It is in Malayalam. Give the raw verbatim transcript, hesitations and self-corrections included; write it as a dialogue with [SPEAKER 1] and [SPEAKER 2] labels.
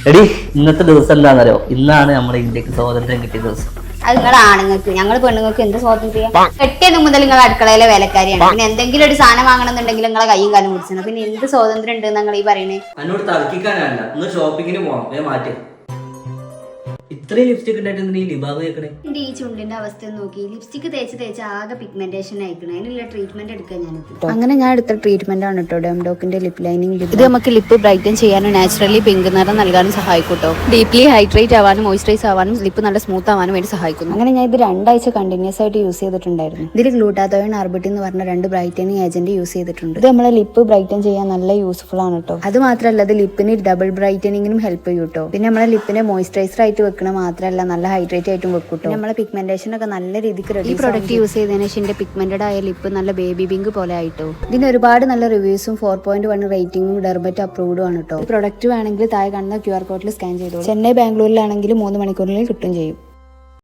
[SPEAKER 1] എടി ഇന്നത്തെ ദിവസം എന്താണെന്നറിയോ? ഇന്നാണ് നമ്മുടെ ഇന്ത്യക്ക് സ്വാതന്ത്ര്യം കിട്ടിയ ദിവസം.
[SPEAKER 2] അത് നിങ്ങളെ ആണുങ്ങൾക്ക്, ഞങ്ങൾ പെണ്ണുങ്ങൾക്ക് എന്ത് സ്വാതന്ത്ര്യം? കെട്ടിയത് മുതൽ നിങ്ങൾ അടുക്കളയിലെ വേലക്കാരിയാണ്. പിന്നെ എന്തെങ്കിലും ഒരു സാധനം വാങ്ങണമെന്നുണ്ടെങ്കിൽ നിങ്ങളെ കൈയും കാലം പിടിച്ചത്. പിന്നെ എന്ത് സ്വാതന്ത്ര്യം ഉണ്ട് നിങ്ങൾ ഈ പറയണേ?
[SPEAKER 1] എന്നോട് തർക്കിക്കാനല്ല, ഇന്ന് ഷോപ്പിങ്ങിന് പോവാം, വേ മാറ്റി. ഇത്രയും ലിപ്സ്റ്റിക് ഉണ്ടായിട്ട് നീ ലിബാബ് കേൾക്കണേ?
[SPEAKER 2] എന്റെ ഈ ചുണ്ടിന്റെ അവസ്ഥ നോക്കി, ലിപ്സ്റ്റിക് തേച്ച് തേച്ച് ആകെ പിഗ്മെന്റേഷൻ ആയിക്കണേ. അതിനുള്ള ട്രീറ്റ്മെന്റ് എടുക്കാൻ ഞാൻ അങ്ങനെ ഞാൻ എടുത്ത ട്രീറ്റ്മെന്റ് ആണ് കേട്ടോ ഡെംഡോക്കിന്റെ ലിപ് ലൈനിങ്. ഇത് നമുക്ക് ലിപ്പ് ബ്രൈറ്റൻ ചെയ്യാനും നാച്ചുറലി പിങ്ക് നിറം നൽകാനും സഹായിക്കും കേട്ടോ. ഡീപ്ലി ഹൈഡ്രേറ്റ് ആവാനും മോയ്സ്ചറൈസ് ആവാനും ലിപ്പ് നല്ല സ്മൂത്ത് ആവാനും വേണ്ടി സഹായിക്കുന്നു. അങ്ങനെ ഞാൻ ഇത് രണ്ടാഴ്ച കണ്ടിന്യൂസ് ആയിട്ട് യൂസ് ചെയ്തിട്ടുണ്ടായിരുന്നു. ഇതിൽ ഗ്ലൂട്ടാത്തോയിൻ ആർബിറ്റിൻ എന്ന് പറഞ്ഞ രണ്ട് ബ്രൈറ്റനിങ് ഏജന്റ് യൂസ് ചെയ്തിട്ടുണ്ട്. ഇത് നമ്മളെ ലിപ്പ് ബ്രൈറ്റൻ ചെയ്യാൻ നല്ല യൂസ്ഫുൾ ആണ് കേട്ടോ. അത് മാത്രമല്ല ഇത് ലിപ്പിന് ഡബിൾ ബ്രൈറ്റനിങ്ങിനും ഹെൽപ്പ് ചെയ്യും കേട്ടോ. പിന്നെ നമ്മളെ ലിപ്പിനെ മോയ്സ്ചറൈസർ ആയിട്ട് വെക്കണ മാത്രമല്ല നല്ല ഹൈഡ്രേറ്റ് ആയിട്ടും വെക്കും കേട്ടോ. നമ്മളെ പിഗ്മെന്റേഷൻ ഒക്കെ നല്ല രീതിക്ക് റെഡി. ഈ പ്രോഡക്റ്റ് യൂസ് ചെയ്തതിന് ശേഷം എന്റെ പിഗ്മെന്റഡ് ആയ ലിപ്പ് നല്ല ബേബി പിങ്ക് പോലെ ആയിട്ടോ. ഇതിന് ഒരുപാട് നല്ല റിവ്യൂസും ഫോർ പോയിന്റ് വൺ റേറ്റിംഗും ഡെർബറ്റ് അപ്രൂവ്ഡും ആണ് കേട്ടോ. ഈ പ്രോഡക്റ്റ് വേണമെങ്കിൽ താഴെ കാണുന്ന ക്യു ആർ കോഡിൽ സ്കാൻ ചെയ്തോളൂ. ചെന്നൈ ബാംഗ്ലൂരിലാണെങ്കിൽ മൂന്ന് മണിക്കൂറിൽ കിട്ടും ചെയ്യും.